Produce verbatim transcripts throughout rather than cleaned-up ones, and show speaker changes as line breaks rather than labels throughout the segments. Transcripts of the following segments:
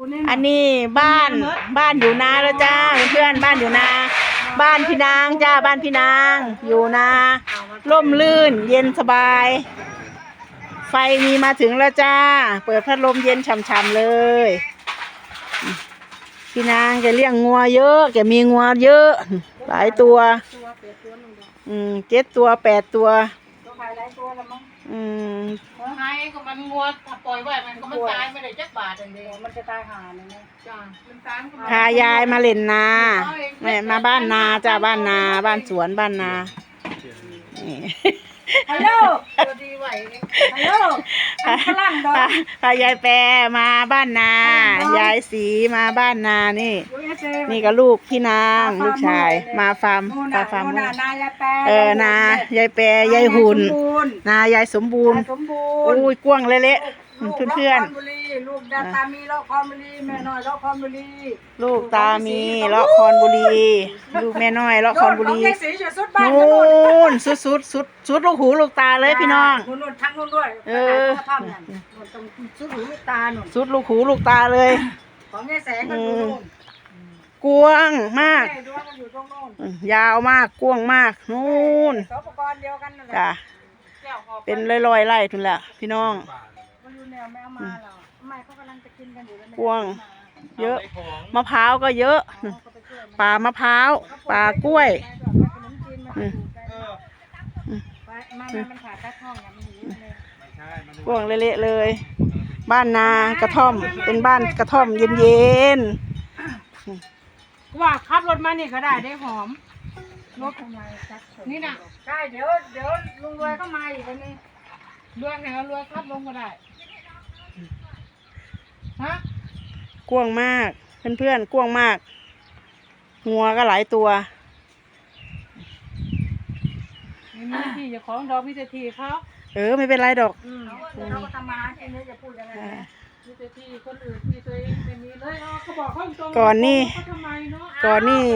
อันนี้บ้านบ้านอยู่นาแล้วจ้าเพื่อนบ้านอยู่นาบ้านพี่นางจ้าบ้านพี่นางอยู่นาร่มรื่นเย็นสบายไฟมีมาถึงแล้วจ้าเปิดพัดลมเย็นฉ่ำๆเลยพี่นางแกเลี้ยงงัวเยอะแกมีงัวเยอะหลายตัวอืมเจ็ดตัวแปดตัวอืม
ไงก็มันงัวปล่อยไว้มันก็มันตายไม่ได้จักบาทอย่างเดียวมันจะตายหาเลยนะจ้ามันตาย
พายายมาเล่นนาแม่มาบ้านนาจ้าบ้านนาบ้านสวนบ้านนา
ฮัลโหลตัวดีไหวฮัลโหลพลังดอก
พายายแปรมาบ้านนายายสีมาบ้านนานี่นี่ก็ลูกพี่นางลูกชายมาฟาร์มฟาร์มเออนายายแปรยายหุ่นนายายสมบูรณ์อุ้ยกว้างเละๆเพื่อน
ๆลูกตามีเลาะคอนบุรีแม่น้อยเลาะคอนบุรี
ลูกตามีเลาะคอนบุรีลูกแม่น้อยเลาะคอนบุรีนู่นสุดสุดสุดสุดลูกหูลูกตาเลยพี่น้อง
นู่นทั้งนู่นด้วยเออสุดหูลูกตาหนุน
สุดลูกหูลูกตาเลย
ของแม่แสงก็อยู่นู่น
กว้างมากยาวมากกว้างมากนู่นจ้ะเป็นลอยๆไร่ทุนละพี่น้องกว้างเยอะมะพร้าวก็เยอะป่ามะพร้าวป่ากล้วยกว้างเละๆเลยบ้านนากระท่อมเป็นบ้านกระท่อมเย็น
ๆว่าขับรถมานี่ก็ได้ได้หอมรถนี่นะใช่เดี๋ยวเดี๋ยวลุงรวยก็มาอีกวันนี้รวยไหนรวยขับลงก็ได้ฮะ
กว้างมากเพื่อนๆกว้างมากงัวก็หลายตัว
มีที่จะของดอกมีแต่ที่เขา
เออไม่เป็นไรดอก
เขาก็ทำมาแค่นี้จะพูดยังไงมีแต่ที่คนอื่นที่ตัวเองไม่มีเลยเขาบอกเขาตรง
ก่อนนี่ก่อนนี่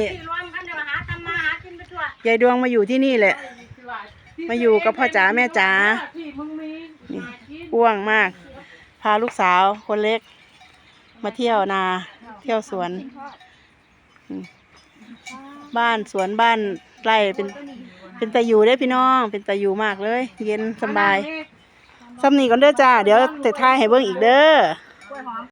ยายดวงมาอยู่ที่นี่แหละมาอยู่กับพ่อจ๋าแม่จ๋ากว้างมากพาลูกสาวคนเล็กมาเที่ยวนาเที่ยวสวนบ้านสวนบ้านไร่เป็นเป็นตาอยู่ได้พี่น้องเป็นตาอยู่มากเลยเย็นสบายซ้ำนี่ก่อนเด้อจ้าเดี๋ยวแต่ท้ายให้เบิ่งอีกเด้อ